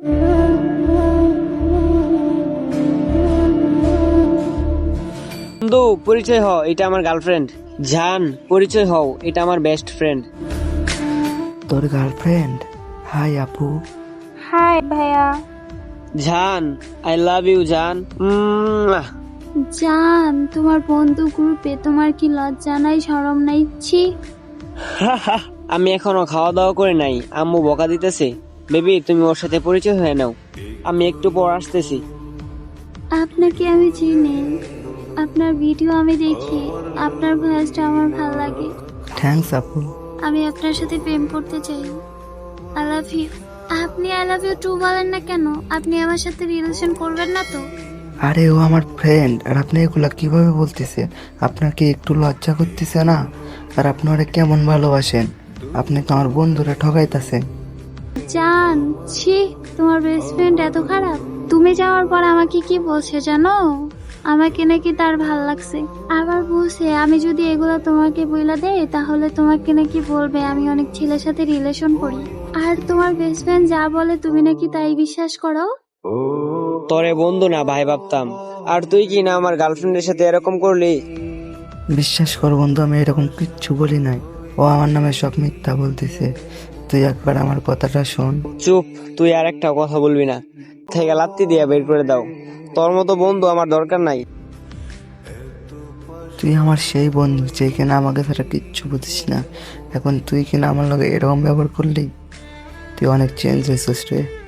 বন্ধু পরিচয় হও, এটা আমার গার্লফ্রেন্ড। জান পরিচয় হও, এটা আমার বেস্ট ফ্রেন্ড। তোর গার্লফ্রেন্ড? হাই আপু। হাই ভাইয়া। জান আই লাভ ইউ জান। জান, তোমার বন্ধু গ্রুপে তোমার কি লজ্জা নাই, শরম নাই? ছি। আমি এখনো খাওয়া দাওয়া করে নাই, আম্মু বকা দিতেছে। বেবি তুমি ওর সাথে পরিচয় হয়ে নাও, আমি একটু পর আসতেছি। আপনাকে আমি চিনি, আপনার ভিডিও আমি দেখি, আপনার ভয়েসটা আমার ভালো লাগে। থ্যাঙ্কস আপু। আমি আপনার সাথে প্রেম করতে চাই। I love you. আপনি আই লাভ ইউ টু বলেন না কেন? আপনি আমার সাথে রিলেশন করবেন না তো? আরে ও আমার ফ্রেন্ড, আর আপনি এগুলা কিভাবে বলতেছেন? আপনার কি একটু লজ্জা করতেছে না? আর আপনি ওরে কেমন ভালোবাসেন? আপনি তো আমার বন্ধুরা ঠকাইতেছেন। জান, ছি, তোমার বেস্ট ফ্রেন্ড এত খারাপ? তুমি যাওয়ার পর আমাকে কি বলছে জানো? আমাকে নাকি তার ভাল লাগছে। আবার বলছে আমি যদি এগুলো তোমাকে বইলা দেই তাহলে তোমাকে নাকি বলবে আমি অনেক ছেলের সাথে রিলেশন করি। আর তোমার বেস্ট ফ্রেন্ড যা বলে তুমি নাকি তাই বিশ্বাস করো? তোরে বন্ধু না ভাই ভাবতাম, আর তুই কি না আমার গার্লফ্রেন্ডের সাথে এরকম করলি? বিশ্বাস কর বন্ধু, আমি এরকম কিচ্ছু বলি নাই। ও আমার নামে সব মিথ্যা বলতেছে। তুই একবার আমার কথাটা শোন। চুপ, তুই আর একটা কথা বলবি না। থেকে লাত্তি দিয়া বের করে দাও, তোর মতো বন্ধু আমার দরকার নাই। তুই আমার সেই বন্ধু যে কিনা আমাকে ছাড়া কিচ্ছু বুঝিস না। এখন তুই কিনা আমার লগে এরকম ব্যবহার করলি? তুই অনেক চেঞ্জ হয়েছিস রে।